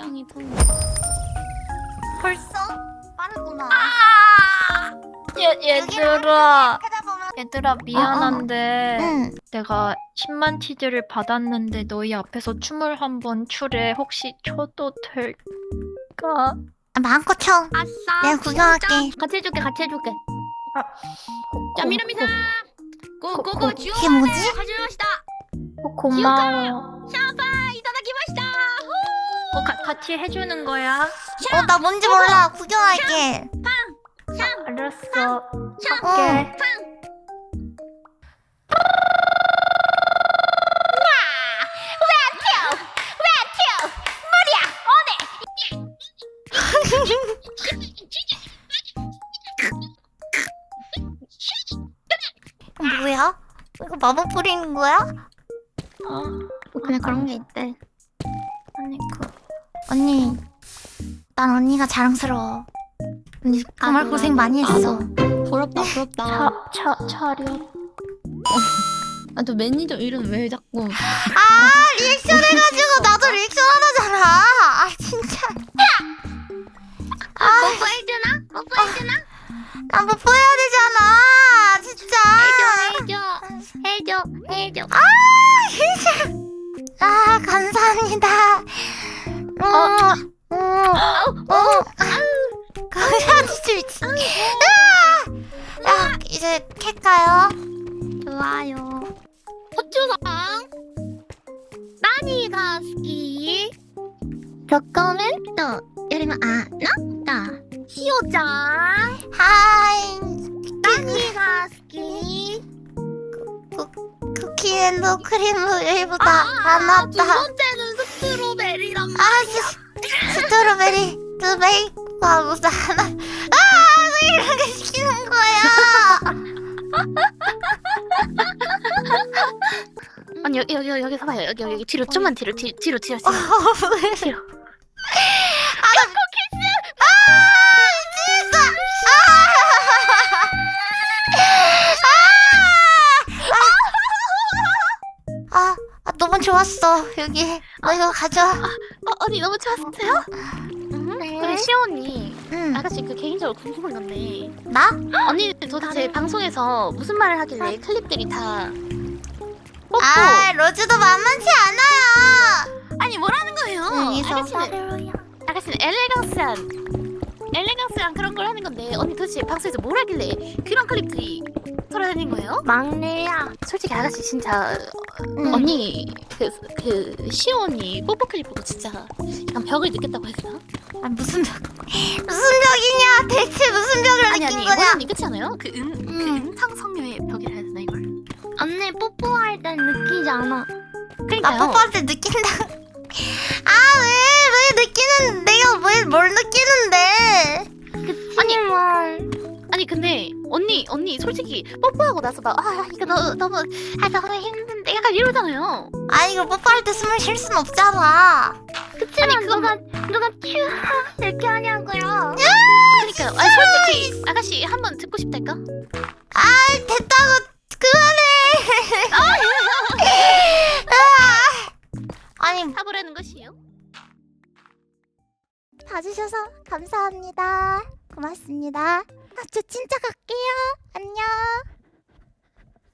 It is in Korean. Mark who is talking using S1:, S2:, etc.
S1: 통이.
S2: 벌써? 빠르구나.
S3: 얘들아
S2: 찾아보면
S3: 얘들아 미안한데
S2: 응.
S3: 내가 10만 치즈를 받았는데 너희 앞에서 춤을 한번 추래. 혹시 춰도 될까?
S2: 마음껏 쳐.
S1: 아싸.
S2: 내가 구경할게.
S1: 같이 해줄게. 같이 해줄게. 자,
S3: 고-
S1: 미나미상. 고고고
S3: 고-
S1: 주요.
S2: 이게 뭐지?
S1: 가져오시다.
S3: 고마워.
S1: 샤바 이타다키마시다.
S3: 같이 해주는 거야?
S2: 나 뭔지 몰라. 구경할게.
S3: 알았어.
S1: 샵.
S3: 할게.
S2: 뭐야? 이거 마법 뿌리는 거야?
S1: 그냥 그런 게 있대.
S3: 아니
S2: 언니, 난 언니가 자랑스러워. 언니 정말 고생 많이 했어.
S1: 부럽다 부럽다.
S3: 차려.
S1: 또 매니저 이름 왜 자꾸?
S2: 리액션 해가지고 나도 리액션 하나잖아. 진짜.
S1: 뽀뽀해주나? 뽀뽀해주나?
S2: 난 뽀뽀해야 되잖아. 진짜.
S1: 해줘.
S2: 감사합니다. 감사합니다. 미친. 야, 이제 캘까요?
S1: 좋아요. 호주상 나니가 스키 도코멘토 여리면 아나다 시오짱
S2: 하이.
S1: 나니가 스키
S2: 쿠키앤도 크림보다 안 왔다.
S1: 두 번째는 스트로베리란
S2: 스트로베리 두 베이크하고 하나. 왜 이렇게 시키는 거야?
S1: 아니 여기서 봐요. 여기 뒤로 좀만 뒤로.
S2: 왜?
S1: 뒤로.
S2: 너무 좋았어. 여기 너 이거 가져.
S1: 언니 너무 좋았어요? 그래 시오 언니
S2: 응.
S1: 아가씨 개인적으로 궁금한 건데
S2: 나?
S1: 언니는 도대체 방송에서 무슨 말을 하길래 클립들이 다 뽀뽀
S2: 로즈도 만만치 않아요.
S1: 아니 뭐라는 거예요?
S2: 여기서
S1: 아가씨는 엘레강스한 그런 걸 하는 건데 언니 도대체 방송에서 뭘 하길래 그런 클립들이 돌아다닌 거예요?
S2: 막내야.
S1: 솔직히 아가씨 진짜 언니 그 시오 언니 뽀뽀 클립 보고 진짜 약간 벽을 느꼈다고 해야 되나?
S2: 무슨 벽이냐? 대체 무슨 벽을 느낀
S1: 아니
S2: 거냐?
S1: 원언니 그렇지 않아요? 그 은탕 성녀의 벽이라 해야 되나 이걸?
S4: 언니 뽀뽀할 땐 느끼지 않아.
S2: 나
S1: 그러니까요.
S2: 뽀뽀할 때 느낀다. 왜 느끼는? 내가 뭘 느끼는데?
S1: 아니 근데 언니 솔직히 뽀뽀하고 나서 막 이거 너무 힘든데 약간 이러잖아요.
S2: 이거 뽀뽀할 때 숨을 쉴 순 없잖아.
S4: 그치만 누가 큐 이렇게 하냐고요.
S1: 그러니까요. 솔직히 아가씨 한번 듣고 싶달까?
S2: 됐다고 그만해. 아니
S1: 사보라는 것이요.
S2: 봐주셔서 감사합니다. 고맙습니다. 저 진짜 갈게요. 안녕.